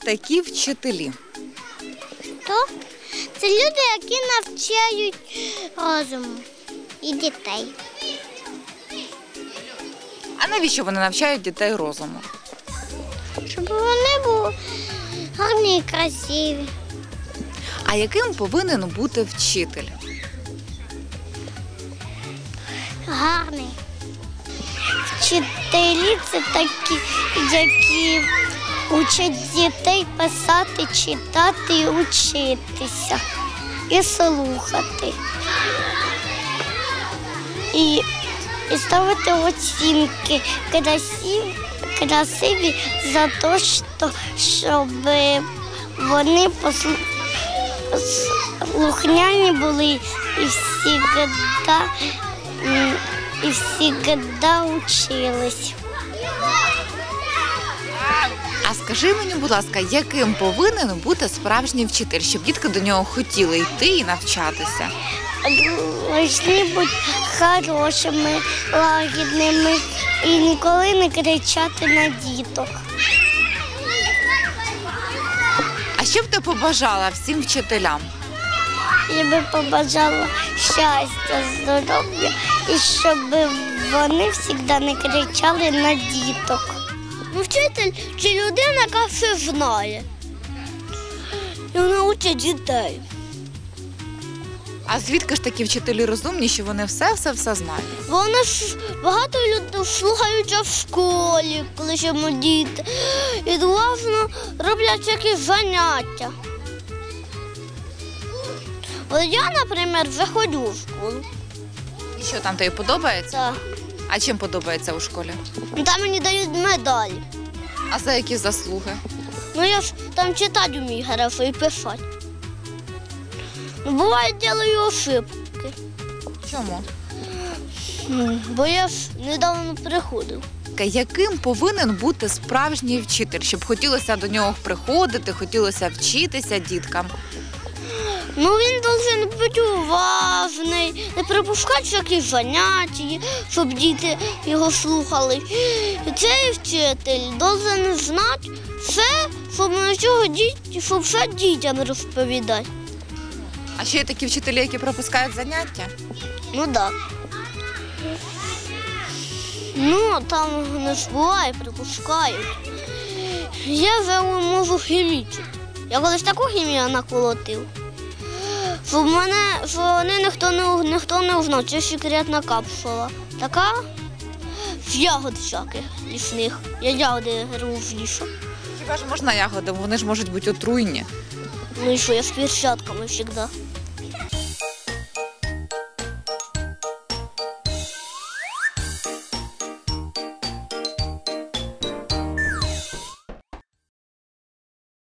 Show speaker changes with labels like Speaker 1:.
Speaker 1: такі вчителі?
Speaker 2: То це люди, які навчають розуму і дітей.
Speaker 1: А навіщо вони навчають дітей розуму?
Speaker 2: Щоб вони були гарні і красиві.
Speaker 1: А яким повинен бути вчитель?
Speaker 2: Гарний. Вчителі – це такі, які учать дітей писати, читати і учитися. І слухати. І ставити оцінки красиві за те, щоб вони слухняні були і всегда учились.
Speaker 1: А скажи мені, будь ласка, яким повинен бути справжній вчитель, щоб дітки до нього хотіли йти і навчатися?
Speaker 2: Повинні бути хорошими, лагідними і ніколи не кричати на діток.
Speaker 1: А що б ти побажала всім вчителям?
Speaker 2: Я би побажала щастя, здоров'я і щоб вони завжди не кричали на діток. Вчитель – це людина, яка все знає. І вона учить дітей.
Speaker 1: А звідки ж такі вчителі розумні, що вони все знають?
Speaker 2: Вони ж багато людей слухаються в школі, коли ще ми діти. І уважно роблять всякі заняття. От я, наприклад, вже ходжу в школу.
Speaker 1: І що, там тобі подобається?
Speaker 2: Так.
Speaker 1: А чим подобається у школі?
Speaker 2: Там мені дають медалі.
Speaker 1: А за які заслуги?
Speaker 2: Ну я ж там читати вмію хорошо і писати. Ну, буває, роблю ошибки.
Speaker 1: Чому?
Speaker 2: Бо я ж недавно приходив.
Speaker 1: Яким повинен бути справжній вчитель, щоб хотілося до нього приходити, хотілося вчитися діткам?
Speaker 2: Ну, він повинен бути уважний, не пропускати всякі заняття, щоб діти його слухали. І цей вчитель повинен знати все, щоб все дітям розповідати.
Speaker 1: А ще є такі вчителі, які пропускають заняття?
Speaker 2: Ну так. Ну, там не ж буває, пропускають. Я вже можу хімічити. Я колись таку хімію наколотив. Що вони ніхто не узнав, це секретна капсула. Така з ягод всяких лісних. Я ягоди рву в лісу.
Speaker 1: Хіба ж можна ягоди? Вони ж можуть бути отруйні.
Speaker 2: Ну і що, я з перчатками завжди.